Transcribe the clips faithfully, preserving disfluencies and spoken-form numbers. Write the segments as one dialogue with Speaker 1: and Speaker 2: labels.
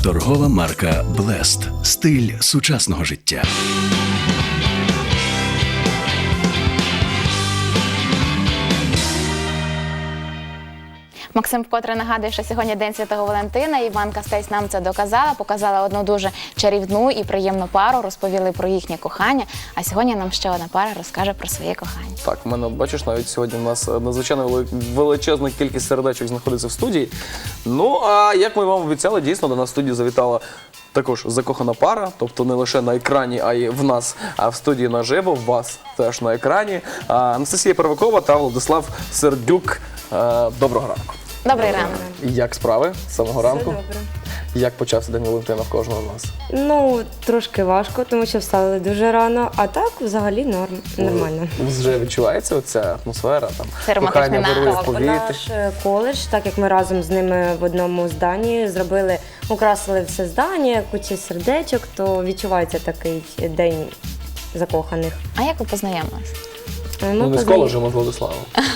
Speaker 1: Торгова марка Блест. Стиль сучасного життя.
Speaker 2: Максим вкотре нагадує, що сьогодні День Святого Валентина. Іванка Стець нам це доказала, показала одну дуже чарівну і приємну пару, розповіли про їхнє кохання. А сьогодні нам ще одна пара розкаже про своє кохання.
Speaker 3: Так, в мене, бачиш, навіть сьогодні у нас надзвичайно величезна кількість сердечок знаходиться в студії. Ну, а як ми вам обіцяли, дійсно, до нас в студію завітала також закохана пара, тобто не лише на екрані, а й в нас, а в студії наживо, в вас теж на екрані. Анастасія Первакова та Владислав Сердюк. Доброго ранку.
Speaker 2: Добрий ранок.
Speaker 3: Як справи з самого ранку?
Speaker 4: Все добре.
Speaker 3: Як почався День Валентина в кожного з нас?
Speaker 4: Ну, трошки важко, тому що встали дуже рано, а так взагалі норм, нормально.
Speaker 3: Вже відчувається оця атмосфера, там,
Speaker 2: Це романтичний
Speaker 3: кохання вирує в
Speaker 2: настрій.
Speaker 3: повітрі?
Speaker 4: Наш е, коледж, так як ми разом з ними в одному зданні зробили, украсили все здання, кучу сердечок, то відчувається такий день закоханих.
Speaker 2: А як ви познайомились?
Speaker 4: Ми,
Speaker 3: Ну, не з
Speaker 4: познайом-
Speaker 3: коледжем, а з Владиславом.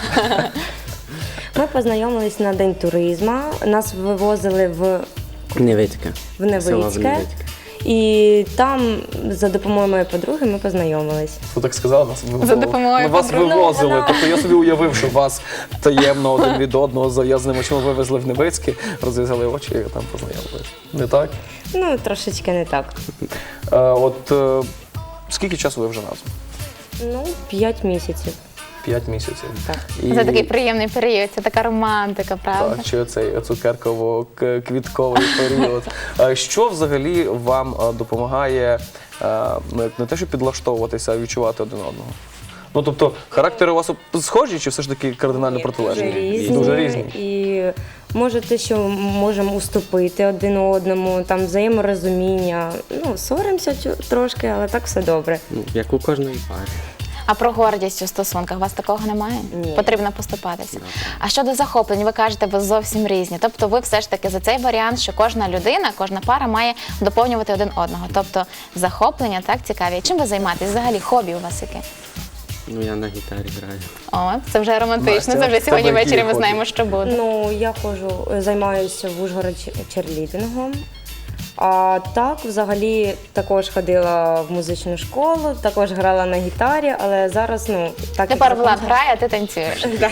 Speaker 4: ми познайомились на День туризму, нас вивозили в,
Speaker 5: Невицьке.
Speaker 4: в Невицьке. І там за допомогою моєї подруги ми познайомились.
Speaker 3: Ви так сказали, нас вивозили.
Speaker 2: За допомогою
Speaker 3: Ну, вас
Speaker 2: подруги.
Speaker 3: вивозили.
Speaker 4: Ну, вона-
Speaker 3: Тобто я собі уявив, що вас таємно один від одного зав'язаними очима вивезли в Невицьке, розв'язали очі і там познайомились. Не так?
Speaker 4: Ну, трошечки не так.
Speaker 3: Е, от е, скільки часу ви вже разом?
Speaker 4: Ну, п'ять місяців.
Speaker 3: П'ять місяців.
Speaker 4: Так.
Speaker 3: І,
Speaker 2: Це такий приємний період, це така романтика, правда?
Speaker 3: так, чи цей цукерково-квітковий період. Е, Що взагалі вам е, допомагає е, не, не те, що підлаштовуватися, а відчувати один одного? Ну, тобто, характери у вас схожі, чи все ж таки кардинально протилежні?
Speaker 4: Дуже різні.
Speaker 3: Дуже різні.
Speaker 4: І може те, що можемо уступити один одному, там взаєморозуміння. Ну, соримося чу- трошки, але так все добре.
Speaker 5: Ну, як у кожної пари.
Speaker 2: А про гордість у стосунках у вас такого немає?
Speaker 4: Ні.
Speaker 2: Потрібно поступатися. А щодо захоплень, ви кажете, ви зовсім різні. Тобто ви все ж таки за цей варіант, що кожна людина, кожна пара має доповнювати один одного. Тобто захоплення так цікаві. Чим ви займаєтесь? Взагалі хобі у вас яке?
Speaker 5: Ну, я на гітарі граю.
Speaker 2: О, це вже романтично.
Speaker 3: Настя,
Speaker 2: Це вже
Speaker 3: в
Speaker 2: сьогодні
Speaker 3: тебе які
Speaker 2: ввечері ми
Speaker 3: хобі?
Speaker 2: знаємо, що буде.
Speaker 4: Ну, я ходжу, займаюся в Ужгороді черлідингом. А так, взагалі, також ходила в музичну школу, також грала на гітарі, але зараз, ну, так
Speaker 2: Тепер
Speaker 4: як
Speaker 2: Влад
Speaker 4: закон-
Speaker 2: грає, а ти танцюєш.
Speaker 4: Да.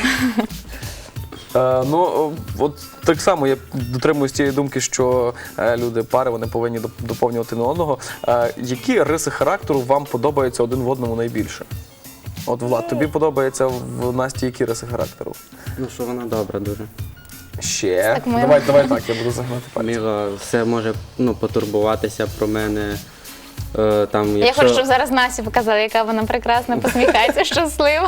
Speaker 3: Е, ну, от так само я дотримуюсь тієї думки, що е, люди, пари, вони повинні доп- доповнювати один одного. Е, які риси характеру вам подобаються один в одному найбільше? От, Влад, тобі подобається в Насті які риси характеру?
Speaker 5: Ну, що вона добра дуже.
Speaker 3: Ще.
Speaker 2: Так мило.
Speaker 3: Давай, давай так, я буду загнати пальці.
Speaker 5: Мила все може ну, потурбуватися про мене. Е, там,
Speaker 2: Я
Speaker 5: якщо,
Speaker 2: хочу, щоб зараз Насі показали, яка вона прекрасна, посміхається, щаслива.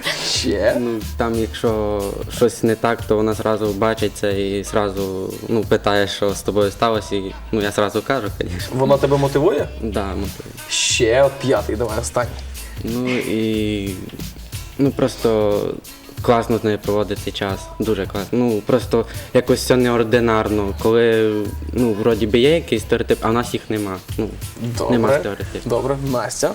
Speaker 3: Ще.
Speaker 5: ну, там, якщо щось не так, то вона зразу бачить це і зразу ну, питає, що з тобою сталося. І ну, я зразу кажу, звісно.
Speaker 3: Вона тебе мотивує?
Speaker 5: Да, мотивує.
Speaker 3: Ще, от п'ятий, давай, останній.
Speaker 5: Ну і ну, просто класно з нею проводити час. Дуже класно. Ну, просто якось все неординарно. Коли ну, вроді би є якийсь стереотип, а в нас їх нема. Ну, нема
Speaker 3: Добре.
Speaker 5: стереотипів.
Speaker 3: Добре, Настя.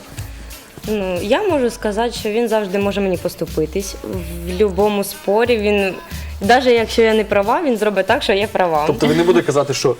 Speaker 4: Ну, я можу сказати, що він завжди може мені поступитись. В будь-якому спорі він, навіть якщо я не права, він зробить так, що я права.
Speaker 3: Тобто він не буде казати, що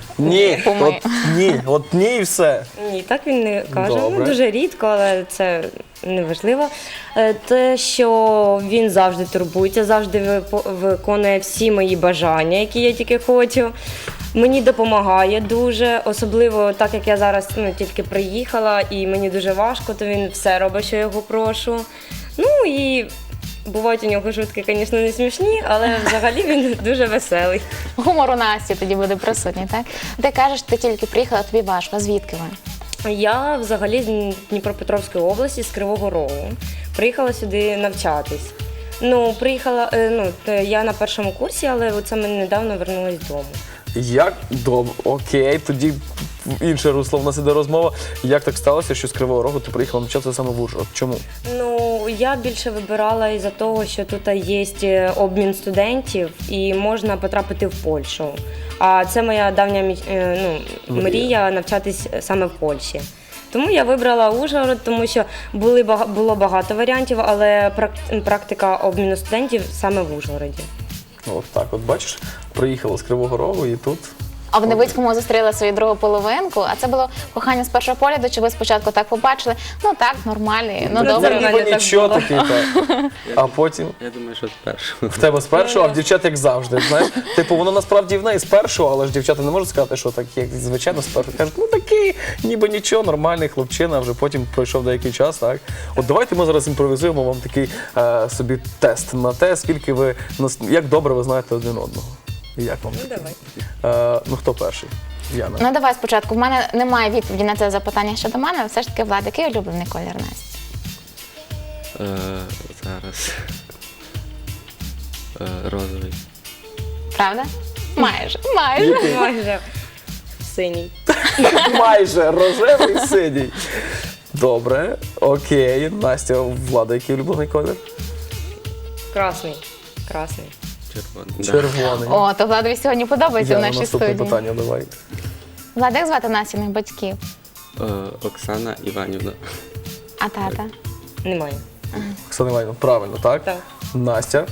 Speaker 3: ні,
Speaker 2: Помий.
Speaker 3: от ні, от ні і все.
Speaker 4: Ні, так він не каже.
Speaker 3: Добре.
Speaker 4: Ну, дуже рідко, але це не важливо. Е, Те, що він завжди турбується, завжди випо- виконує всі мої бажання, які я тільки хочу. Мені допомагає дуже, особливо так як я зараз ну, тільки приїхала і мені дуже важко, то він все робить, що я його прошу. Ну і бувають у нього шутки, звісно, не смішні, але взагалі він дуже веселий.
Speaker 2: Гумор у Насті тоді буде присутній, так? Ти кажеш, ти тільки приїхала, тобі важко. Звідки ви?
Speaker 4: Я взагалі з Дніпропетровської області, з Кривого Рогу. Приїхала сюди навчатись. Ну, приїхала, е, ну, те, я на першому курсі, але оце ми недавно вернулись додому.
Speaker 3: Як добре, окей, тоді інше русло в нас іде розмова. Як так сталося, що з Кривого Рогу ти приїхала навчатися саме в Ужгород? Чому?
Speaker 4: Ну, я більше вибирала із-за того, що тут є обмін студентів і можна потрапити в Польщу. А це моя давня мі- е, ну, мрія навчатись саме в Польщі. Тому я вибрала Ужгород, тому що були, бага- було багато варіантів, але прак- практика обміну студентів саме в Ужгороді.
Speaker 3: Ну, от так, от бачиш, приїхала з Кривого Рогу і тут
Speaker 2: А в Невицькому зустріли свою другу половинку, а це було кохання з першого погляду, чи ви спочатку так побачили, ну так, нормальний, ну
Speaker 4: Ну, це
Speaker 2: добре.
Speaker 4: нормально.
Speaker 3: Ніби
Speaker 4: так
Speaker 3: нічого
Speaker 4: було.
Speaker 3: такий, так. А потім
Speaker 5: Я думаю, що спершу.
Speaker 3: в тебе з першого, а в дівчат як завжди. Знаєш, типу, воно насправді в неї з першого, але ж дівчата не можуть сказати, що так, як звичайно, з першого. Кажуть, ну такий, ніби нічого, нормальний хлопчина, а вже потім пройшов деякий час, так. От давайте ми зараз імпровізуємо вам такий е, собі тест на те, скільки ви, нас- як добре ви знаєте один одного. І як вам?
Speaker 4: Ну, давай.
Speaker 3: Е, ну хто перший? Яна.
Speaker 2: Ну давай спочатку. В мене немає відповіді на це запитання щодо мене, але все ж таки, Влад, який улюблений колір Насті?
Speaker 5: Е, зараз. Е, розовий.
Speaker 2: Правда? Майже, майже.
Speaker 4: Майже синій.
Speaker 3: Майже рожевий синій. Добре, окей. Настя, Влада, який улюблений колір?
Speaker 4: Красний. Красний.
Speaker 5: Червоний. Да.
Speaker 3: Червоний.
Speaker 2: О, то Владові сьогодні подобається в
Speaker 3: Яна,
Speaker 2: нашій
Speaker 3: наступне
Speaker 2: студії.
Speaker 3: питання, давай.
Speaker 2: Влад, як звати Настіних батьків?
Speaker 5: Е, Оксана Іванівна.
Speaker 2: А тата?
Speaker 4: Немає.
Speaker 3: Оксана Іванівна, правильно, так?
Speaker 4: Так.
Speaker 3: Настя.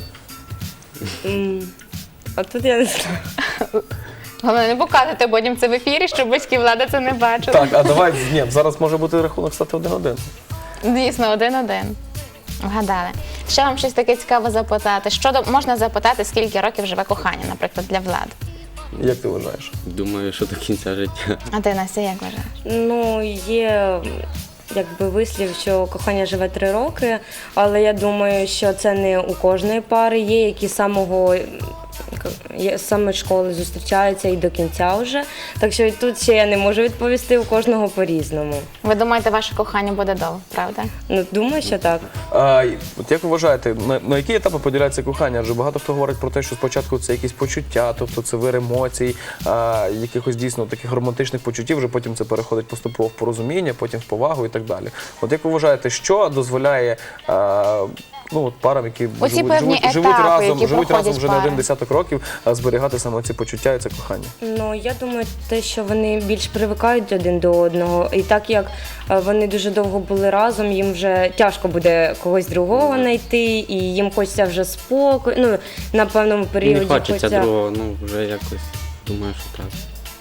Speaker 4: М, А тут я не знаю.
Speaker 2: Головне, не показуйте потім це в ефірі, щоб батьки Влада це не бачили.
Speaker 3: Так, а давай, ні, зараз може бути рахунок стати один-один.
Speaker 2: Дійсно, один-один. Вгадали. Ще вам щось таке цікаве запитати. Що до- можна запитати, скільки років живе кохання, наприклад, для Влади?
Speaker 3: Як ти вважаєш?
Speaker 5: Думаю, що до кінця життя.
Speaker 2: А ти, Настя, як вважаєш?
Speaker 4: Ну, є якби вислів, що кохання живе три роки, але я думаю, що це не у кожної пари. Є, які з самого є- з самої школи зустрічаються і до кінця вже. Так що і тут ще я не можу відповісти, у кожного по-різному.
Speaker 2: Ви думаєте, ваше кохання буде довго, правда?
Speaker 4: Ну, думаю, що так.
Speaker 3: А, й- от як ви вважаєте, на, на які етапи поділяється кохання? Адже багато хто говорить про те, що спочатку це якісь почуття, тобто це вир емоцій, а, якихось дійсно таких романтичних почуттів, вже потім це переходить поступово в порозуміння, потім в повагу і так далі. От як ви вважаєте, що дозволяє а, ну, от парам, які
Speaker 2: Оці
Speaker 3: живуть,
Speaker 2: певні
Speaker 3: живуть, живуть
Speaker 2: етапи,
Speaker 3: разом,
Speaker 2: які
Speaker 3: живуть разом
Speaker 2: проходять
Speaker 3: вже не
Speaker 2: пари.
Speaker 3: один десяток років, а зберігати саме ці почуття і це кохання?
Speaker 4: Ну, я думаю, те, що вони більш привикають один до одного. І так як е, вони дуже довго були разом, їм вже тяжко буде когось другого знайти, і їм хочеться вже спокою. Ну, на певному періоді
Speaker 5: Не хочеться другого, ну вже якось думаю, що так.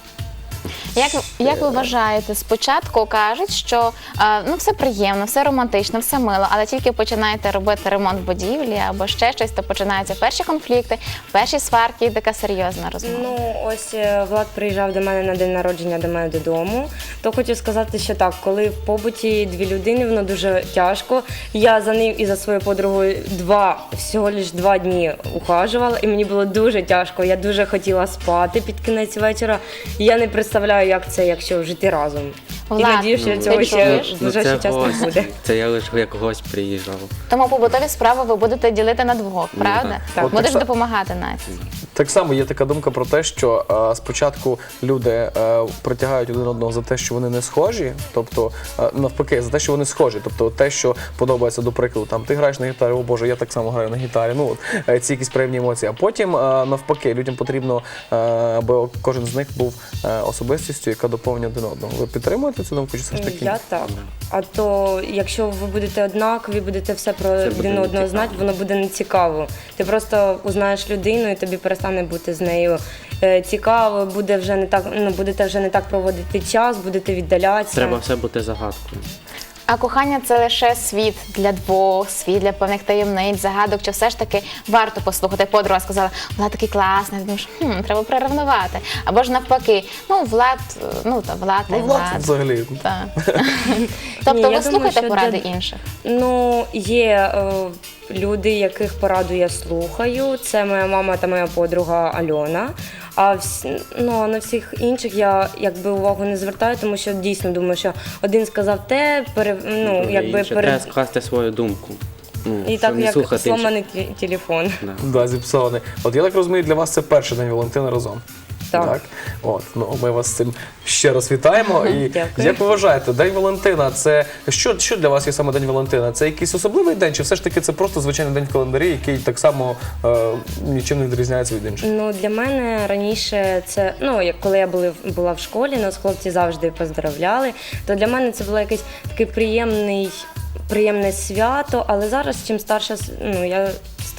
Speaker 2: Як, як ви вважаєте, спочатку кажуть, що е, ну, все приємно, все романтично, все мило, але тільки починаєте робити ремонт будівлі або ще щось, то починаються перші конфлікти, перші сварки і така серйозна розмова.
Speaker 4: Ну, ось е, Влад приїжджав до мене на день народження до мене додому. То хочу сказати, що так, коли в побуті дві людини, воно дуже тяжко. Я за ним і за своєю подругою два, всього лиш два дні ухажувала, і мені було дуже тяжко. Я дуже хотіла спати під кінець вечора. І я не представляю, як це, якщо жити разом.
Speaker 2: Влад,
Speaker 4: і надію, що
Speaker 2: ну,
Speaker 4: цього
Speaker 2: ти
Speaker 4: ще
Speaker 2: чуєш?
Speaker 4: в ближайший час не
Speaker 5: гость.
Speaker 4: буде.
Speaker 5: Це я лише як гость приїжджав.
Speaker 2: Тому побутові справи ви будете ділити на двох, правда?
Speaker 4: так.
Speaker 3: От
Speaker 2: Будеш
Speaker 3: так са-
Speaker 2: допомагати Насті.
Speaker 3: Так само є така думка про те, що е, спочатку люди е, притягають один одного за те, що вони не схожі, тобто е, навпаки, за те, що вони схожі, тобто те, що подобається, до прикладу, там ти граєш на гітарі, о Боже, я так само граю на гітарі. Ну от е, ці якісь приємні емоції. А потім е, навпаки, людям потрібно, е, аби кожен з них був е, особистістю, яка доповнює один одного. Ви підтримуєте цю думку? Чи все ж таки?
Speaker 4: Я так. А то, якщо ви будете однакові, будете все про
Speaker 5: буде
Speaker 4: один одного
Speaker 5: нецікаво.
Speaker 4: знати, воно буде нецікаво. Ти просто узнаєш людину і тобі перестане бути з нею е, цікаво, буде вже не так, ну будете вже не так проводити час, будете віддалятися.
Speaker 5: Треба все бути загадкою.
Speaker 2: А кохання це лише світ для двох, світ для певних таємниць, загадок, чи все ж таки варто послухати. Подруга сказала, Влад такий класний, думаєш, хм, треба приревнувати. Або ж навпаки, ну Влад, ну та Влад, та й
Speaker 3: Ну, Влад
Speaker 2: Влад.
Speaker 3: взагалі.
Speaker 2: Так.
Speaker 4: Ні,
Speaker 2: Тобто
Speaker 4: я
Speaker 2: ви
Speaker 4: думаю,
Speaker 2: слухаєте
Speaker 4: що
Speaker 2: поради
Speaker 4: для-
Speaker 2: інших?
Speaker 4: Ну, є е, люди, яких пораду я слухаю. Це моя мама та моя подруга Альона. А всі, ну, а на всіх інших я якби увагу не звертаю, тому що дійсно думаю, що один сказав те, пере, ну,
Speaker 5: Друге
Speaker 4: якби
Speaker 5: інше.
Speaker 4: перед...
Speaker 5: Треба скласти свою думку. Ну,
Speaker 4: І
Speaker 5: щоб
Speaker 4: так
Speaker 5: не
Speaker 4: як
Speaker 5: слухати інших.
Speaker 4: сломаний ті- телефон.
Speaker 5: Да.
Speaker 3: Да, зіпсований. От я так розумію, для вас це перший день Валентина разом.
Speaker 4: Так.
Speaker 3: От, ну ми вас з цим ще раз вітаємо. І
Speaker 4: Дякую.
Speaker 3: як ви вважаєте, День Валентина це що, що для вас є саме День Валентина? Це якийсь особливий день, чи все ж таки це просто звичайний день в календарі, який так само е, нічим не відрізняється від інших?
Speaker 4: Ну, для мене раніше це, ну, як коли я були, була в школі, нас хлопці завжди поздравляли, то для мене це було якийсь такий приємний, приємне свято, але зараз, чим старше, ну, я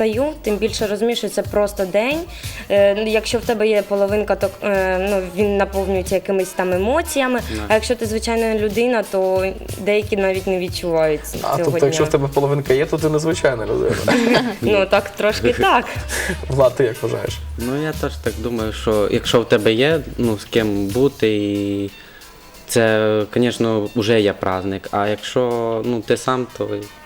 Speaker 4: встаю, тим більше розумію, що це просто день. Е, ну, Якщо в тебе є половинка, то е, ну, він наповнюється якимись там емоціями. А якщо ти звичайна людина, то деякі навіть не відчувають
Speaker 3: А
Speaker 4: цього
Speaker 3: тобто,
Speaker 4: дня.
Speaker 3: якщо в тебе половинка є, то ти незвичайна людина.
Speaker 4: Ну так, трошки так.
Speaker 3: Влад, ти як вважаєш?
Speaker 5: Ну я теж так думаю, що якщо в тебе є ну, з ким бути, і це, звісно, вже є праздник. А якщо ну, ти сам, то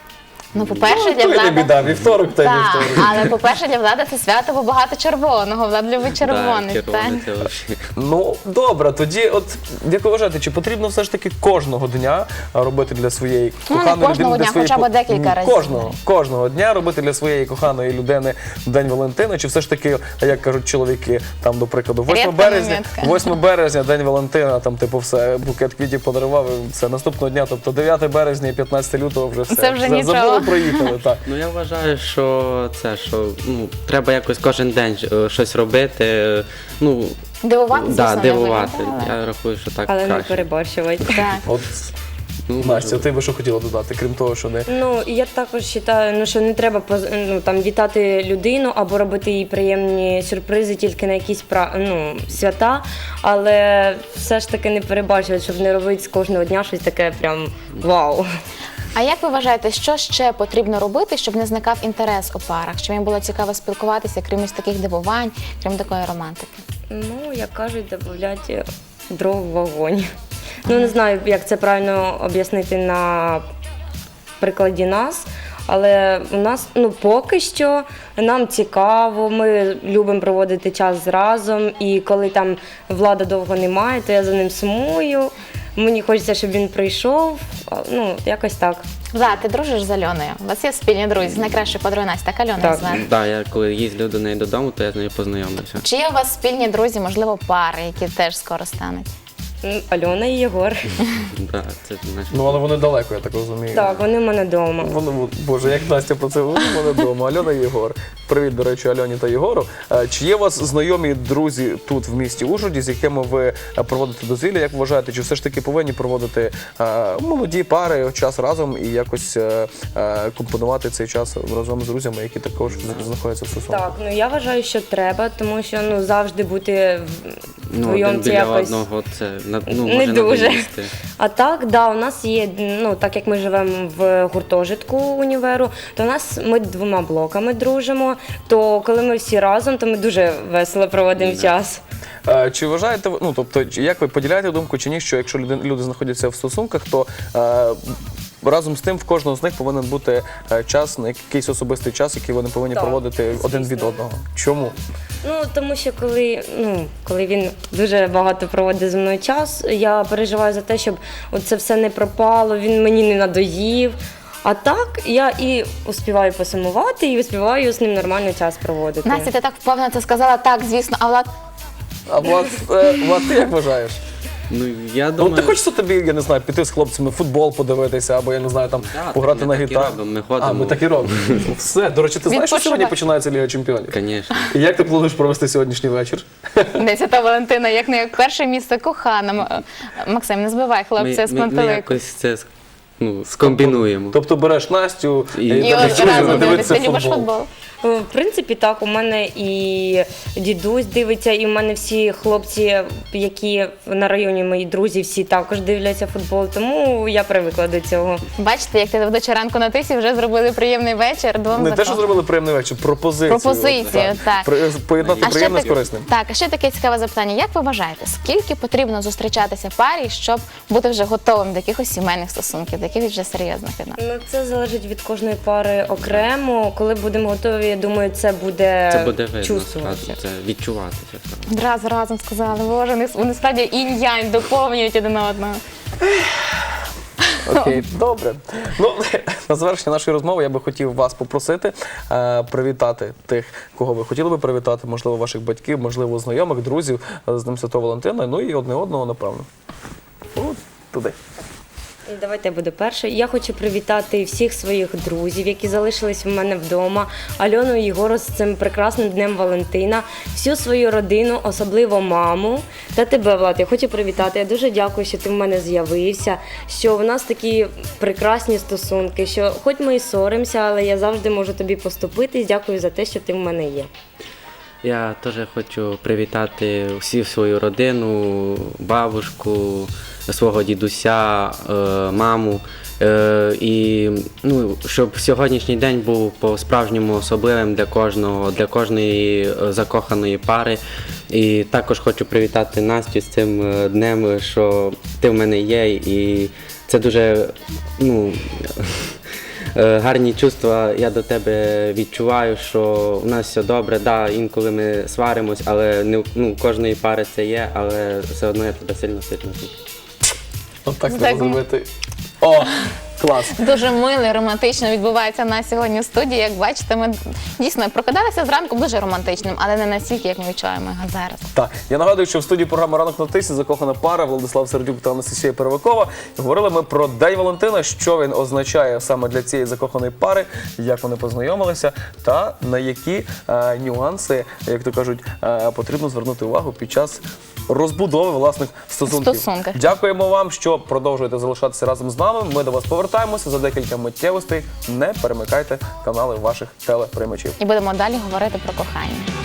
Speaker 2: Ну, по-перше, для
Speaker 3: То й не
Speaker 2: Влада...
Speaker 3: біда, вівторок та й
Speaker 2: Так,
Speaker 3: вівторок.
Speaker 2: але по-перше, для Влада це свято, бо багато червоного. Влад любить червоний.
Speaker 5: да,
Speaker 2: так?
Speaker 5: червоне це взагалі.
Speaker 3: Ну, добре, тоді, от як ви вважаєте, чи потрібно все ж таки кожного дня робити для своєї
Speaker 2: Ну, не
Speaker 3: коханої
Speaker 2: кожного
Speaker 3: людини, для
Speaker 2: дня,
Speaker 3: своєї
Speaker 2: хоча б
Speaker 3: по-
Speaker 2: декілька
Speaker 3: Ні,
Speaker 2: разів.
Speaker 3: Кожного, кожного дня робити для своєї коханої людини День Валентина, чи все ж таки, як кажуть чоловіки, там, до прикладу,
Speaker 2: Рідка
Speaker 3: восьмого березня,
Speaker 2: моментка.
Speaker 3: восьмого березня, День Валентина, там, типу, все, букет квітів подарував, і все, наступного дня, тобто дев'яте березня і п'ятнадцяте лютого вже все.
Speaker 2: Це вже
Speaker 3: За-
Speaker 2: нічого.
Speaker 3: Забули, проїхали, так.
Speaker 5: Ну я вважаю, що це що ну треба якось кожен день е, щось робити. е, Ну
Speaker 2: Дивувати, звісно,
Speaker 5: да,
Speaker 2: не
Speaker 5: дивувати.
Speaker 2: виглядає.
Speaker 5: Я рахую, що так
Speaker 4: Але не
Speaker 5: краще.
Speaker 4: переборщувати.
Speaker 2: Так.
Speaker 3: От,
Speaker 5: Ну,
Speaker 3: Настя, ти би що хотіла додати, крім того, що не...
Speaker 4: Ну, я також вважаю, ну, що не треба поз- ну, там, вітати людину або робити їй приємні сюрпризи тільки на якісь пра- ну, свята, але все ж таки не перебачувати, щоб не робити з кожного дня щось таке прям вау.
Speaker 2: А як ви вважаєте, що ще потрібно робити, щоб не зникав інтерес у парах? Щоб їм було цікаво спілкуватися, крім ось таких дивувань, крім такої романтики?
Speaker 4: Ну, як кажуть, додати дров в вогонь. Ну, не знаю, як це правильно об'яснити на прикладі нас, але у нас, ну, поки що нам цікаво, ми любимо проводити час разом, і коли там Влада довго немає, то я за ним сумую. Мені хочеться, щоб він прийшов, а, ну, якось так.
Speaker 2: Влад, ти дружиш з Альоною? У вас є спільні друзі з найкращою подругою Настя, так Альона
Speaker 4: Так.
Speaker 2: звати?
Speaker 5: Да, я коли їздив до неї додому, то я з нею познайомився.
Speaker 2: Чи є у вас спільні друзі, можливо, пари, які теж скоро стануть?
Speaker 4: М, Альона і Єгор.
Speaker 5: Да, це наш.
Speaker 3: Ну, але вони далеко, я так розумію.
Speaker 4: Так, вони в мене вдома.
Speaker 3: Вони, боже, як Настя про це говорила, вони вдома. Альона і Єгор. Привіт, до речі, Альоні та Єгору. Е, Чи є у вас знайомі друзі тут в місті Ужгороді, з якими ви е, проводите дозвілля? Як вважаєте, чи все ж таки повинні проводити е, молоді пари час разом і якось е, е, компонувати цей час разом з друзями, які також знаходяться в стосунках?
Speaker 4: Так, ну я вважаю, що треба, тому що ну завжди бути
Speaker 5: Ну,
Speaker 4: вдвоєм
Speaker 5: один
Speaker 4: це
Speaker 5: біля
Speaker 4: якось
Speaker 5: одного це на- ну,
Speaker 4: не
Speaker 5: може
Speaker 4: дуже.
Speaker 5: надоїсти.
Speaker 4: А так, да, у нас є, ну так як ми живемо в гуртожитку універу, то у нас ми двома блоками дружимо. То коли ми всі разом, то ми дуже весело проводимо час.
Speaker 3: Е, Чи вважаєте ви, ну тобто, чи- як ви поділяєте думку чи ні, що якщо люди, люди знаходяться в стосунках, то е, разом з тим в кожного з них повинен бути е, час, на якийсь особистий час, який вони повинні
Speaker 4: Так,
Speaker 3: проводити один від
Speaker 4: звісно.
Speaker 3: одного? Чому?
Speaker 4: Ну тому що коли, ну коли він дуже багато проводить зі мною час, я переживаю за те, щоб це все не пропало, він мені не надоїв. А так я і успіваю посумувати, і успіваю з ним нормально час проводити.
Speaker 2: Настя, ти так впевнено це сказала, так, звісно, а Влад...
Speaker 3: А Влад, е, Влад, ти як вважаєш?
Speaker 5: Ну, я
Speaker 3: Ну,
Speaker 5: думаю,
Speaker 3: ти хочеться тобі, я не знаю, піти з хлопцями в футбол подивитися, або я не знаю, там
Speaker 5: Да,
Speaker 3: пограти
Speaker 5: так
Speaker 3: на
Speaker 5: ми так і
Speaker 3: гітару.
Speaker 5: робимо, ми
Speaker 3: А, ми
Speaker 5: ходимо.
Speaker 3: так і робимо. Все. До речі, ти знаєш, що
Speaker 2: Відпочивай.
Speaker 3: сьогодні починається Ліга Чемпіонів?
Speaker 5: звісно.
Speaker 3: І як ти плануєш провести сьогоднішній вечір?
Speaker 2: Десята Валентина, як не як перше місце кохана. М- Максим, не збивай хлопця з
Speaker 5: Ми, ми, ми
Speaker 2: пантелику.
Speaker 5: якось це ну, скомбінуємо.
Speaker 3: Тобто береш Настю
Speaker 5: І-
Speaker 3: і,
Speaker 2: І
Speaker 3: там
Speaker 2: от
Speaker 3: друзями
Speaker 2: разом
Speaker 3: дивитися
Speaker 2: дивитися, любиш футбол.
Speaker 4: В принципі, так, у мене і дідусь дивиться, і у мене всі хлопці, які на районі мої друзі, всі також дивляться футбол, тому я привикла до цього.
Speaker 2: Бачите, як ти ведуча ранку на тисі вже зробили приємний вечір двом
Speaker 3: Не те, що
Speaker 2: закоханим.
Speaker 3: зробили приємний вечір, пропозицію.
Speaker 2: Пропозицію,
Speaker 3: От,
Speaker 2: так.
Speaker 3: При- Поєднати
Speaker 2: А ще
Speaker 3: приємне з
Speaker 2: таке-
Speaker 3: корисним.
Speaker 2: Так, а ще таке цікаве запитання. Як ви вважаєте, скільки потрібно зустрічатися парі, щоб бути вже готовим до якихось сімейних стосунків, до якихось вже серйозних відносин?
Speaker 4: Ну, це залежить від кожної пари окремо. Коли будемо готові, я думаю, це буде,
Speaker 5: Це буде видно,
Speaker 4: чувствуватися.
Speaker 5: це відчуватися. сразу.
Speaker 2: Одразу разом сказали, боже, вони, вони справді інь-янь доповнюють один одного.
Speaker 3: Окей, добре. Ну, на завершення нашої розмови я би хотів вас попросити е, привітати тих, кого ви хотіли би привітати, можливо, ваших батьків, можливо, знайомих, друзів е, з Днем Святого Валентина, ну і одне одного, напевно. От туди.
Speaker 4: Давайте я буду першою. Я хочу привітати всіх своїх друзів, які залишились в мене вдома. Альону і Єгору з цим прекрасним днем Валентина, всю свою родину, особливо маму та тебе, Влад. Я хочу привітати. Я дуже дякую, що ти в мене з'явився, що в нас такі прекрасні стосунки, що хоч ми і соримося, але я завжди можу тобі поступитись. Дякую за те, що ти в мене є.
Speaker 5: Я теж хочу привітати всю свою родину, бабушку, свого дідуся, е, маму. Е, і ну, щоб сьогоднішній день був по-справжньому особливим для кожного, для кожної е, закоханої пари. І також хочу привітати Настю з цим е, днем, що ти в мене є. І це дуже ну, е, гарні чувства я до тебе відчуваю, що у нас все добре. Да, інколи ми сваримось, але не ну, у кожної пари це є, але все одно я тебе сильно-сильно люблю.
Speaker 3: От так
Speaker 2: Так,
Speaker 3: треба зробити. О, клас.
Speaker 2: Дуже мило і романтично відбувається на сьогодні в студії. Як бачите, ми дійсно прокидалися зранку дуже романтичним, але не настільки, як ми відчуваємо його зараз.
Speaker 3: Так, я нагадую, що в студії програми «Ранок на тисі» закохана пара Владислав Сердюк та Анастасія Первакова. Говорили ми про День Валентина, що він означає саме для цієї закоханої пари, як вони познайомилися та на які е, нюанси, як то кажуть, е, потрібно звернути увагу під час розбудови власних стосунків.
Speaker 2: Стосунків.
Speaker 3: Дякуємо вам, що продовжуєте залишатися разом з нами. Ми до вас повертаємося за декілька миттєвостей. Не перемикайте канали ваших телеприймачів.
Speaker 2: І будемо далі говорити про кохання.